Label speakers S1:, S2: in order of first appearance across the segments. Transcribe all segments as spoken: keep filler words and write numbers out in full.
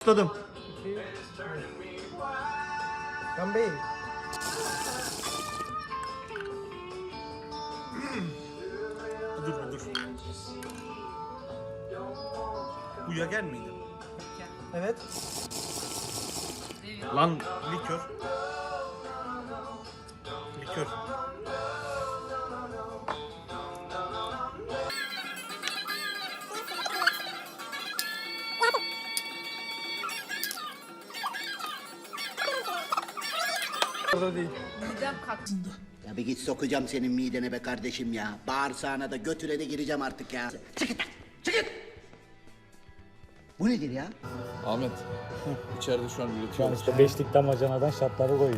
S1: Tutadım.
S2: Kan Bey.
S1: Dur dur. Bu Yager miydi?
S2: Evet.
S1: Lan likör. Likör.
S2: Orada değil.
S3: Midem kalktı.
S4: Ya bir git sokacağım senin midene be kardeşim ya. Bağırsağına da götüne de gireceğim artık ya. Çık git lan, çık git. Bu nedir ya?
S5: Ahmet, içeride şu an
S6: Şu an
S5: üretiyoruz.
S6: işte beşlik damacanadan şartları koyuyor.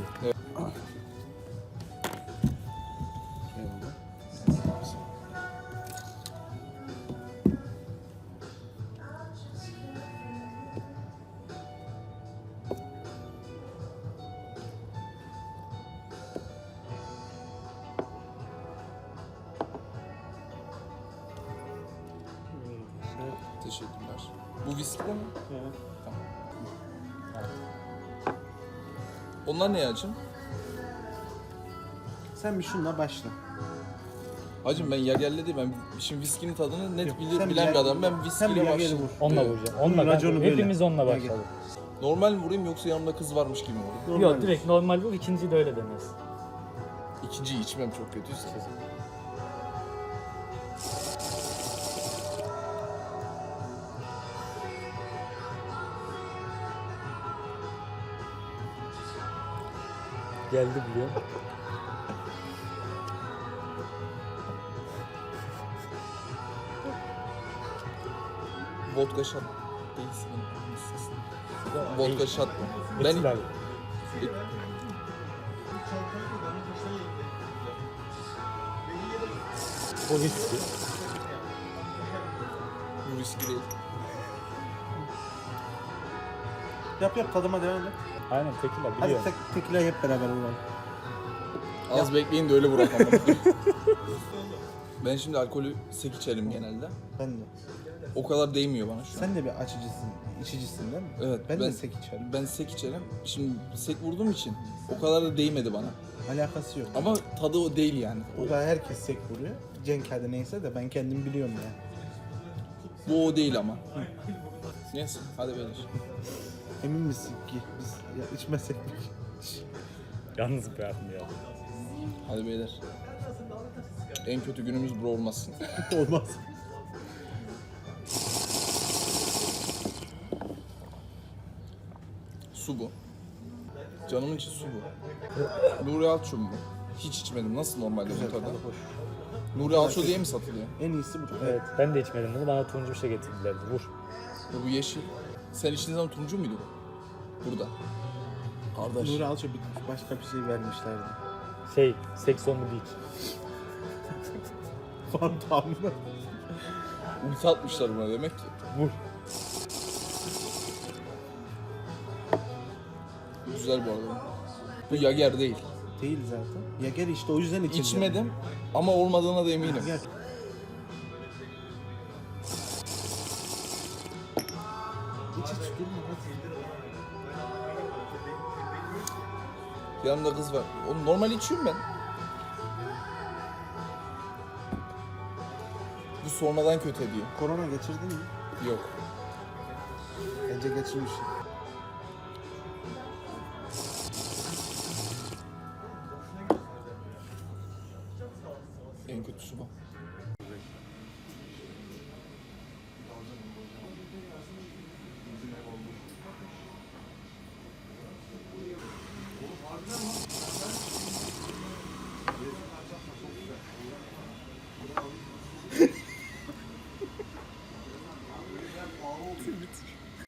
S5: Teşekkürler. Bu viski de mi?
S6: Evet.
S5: Tamam. Onlar ne acım?
S2: Sen bir şunla başla.
S5: Hacım ben Yager'le değil, ben şimdi viskinin tadını net
S2: Yok,
S5: bilir,
S2: sen
S5: bilen
S2: bir
S5: bir
S2: Yager-
S5: adamım. Ben
S2: Sen bir
S5: viskiyle
S2: Yager'i
S5: başladım.
S2: vur.
S6: Onunla
S5: Evet.
S6: vuracağım.
S2: Bunun
S6: Onunla kanka.
S2: raconu böyle.
S6: Hepimiz onunla
S2: Gel,
S6: başladık.
S5: Normal mi vurayım yoksa yanımda kız varmış gibi mi vurayım?
S6: Yok direkt normal vur, ikinciyi de öyle demez.
S5: İkinciyi içmem çok kötüyse.
S6: Geldi biliyor.
S5: Vodka shot değilsin.
S6: Ya,
S5: Vodka
S6: değil.
S5: shot mı?
S6: Ben...
S5: Ben
S6: O viski.
S5: bu viski değil.
S2: Yap yap tadıma devam et.
S6: Aynen tekila
S2: Hadi
S6: biliyorum.
S2: tek, tekila hep beraber vuralım.
S5: Az bekleyin de öyle bırakamam. Ben şimdi alkolü sek içerim genelde.
S2: Ben de.
S5: O kadar değmiyor bana şu an.
S2: Sen de bir açıcısın, içicisin değil mi?
S5: Evet,
S2: Ben,
S5: ben-
S2: de sek içerim.
S5: Ben sek içerim. Şimdi sek vurduğum için o kadar da değmedi bana.
S2: Alakası yok.
S5: Ama tadı o değil yani.
S2: Burada herkes sek vuruyor. Cenk hadi neyse de ben kendim biliyorum ya.
S5: Bu o değil ama. Neyse hadi beyler.
S2: Emin misin ki biz ya içmesek mi?
S6: Yalnız bırakmıyor ya.
S5: Hadi beyler. En kötü günümüz bu olmasın.
S2: Olmaz.
S5: Su bu. Canımın içi su bu. Nuri Alço mu? Hiç içmedim. Nasıl normalde bu tadı?
S2: Tadı hoş.
S5: Nuri Alço diye mi satılıyor?
S2: En iyisi bu.
S6: Evet ben de içmedim bunu. Bana turuncu bir şey getirdilerdi. Vur.
S5: Bu, bu yeşil. Sen içtiğin zaman turuncu muydu bu? Burada. Kardeş.
S2: Nuri Alço bitmiş. Başka bir şey vermişlerdi.
S6: Şey, Sex on the Beach.
S2: Fantam mı?
S5: Ulti atmışlar buna demek ki.
S6: Vur.
S5: Güzel bu arada. Bu Yager değil.
S2: Değil zaten. Ya gel işte o yüzden içeceğim.
S5: İçmedim ama olmadığına da eminim.
S2: Gel. İç iç durma hadi.
S5: Yanımda kız var. Oğlum normal içiyorum ben. Bu sonradan kötü ediyor.
S2: Korona geçirdin mi?
S5: Yok.
S2: Bence geçirmiş.
S5: En kötüsü bu.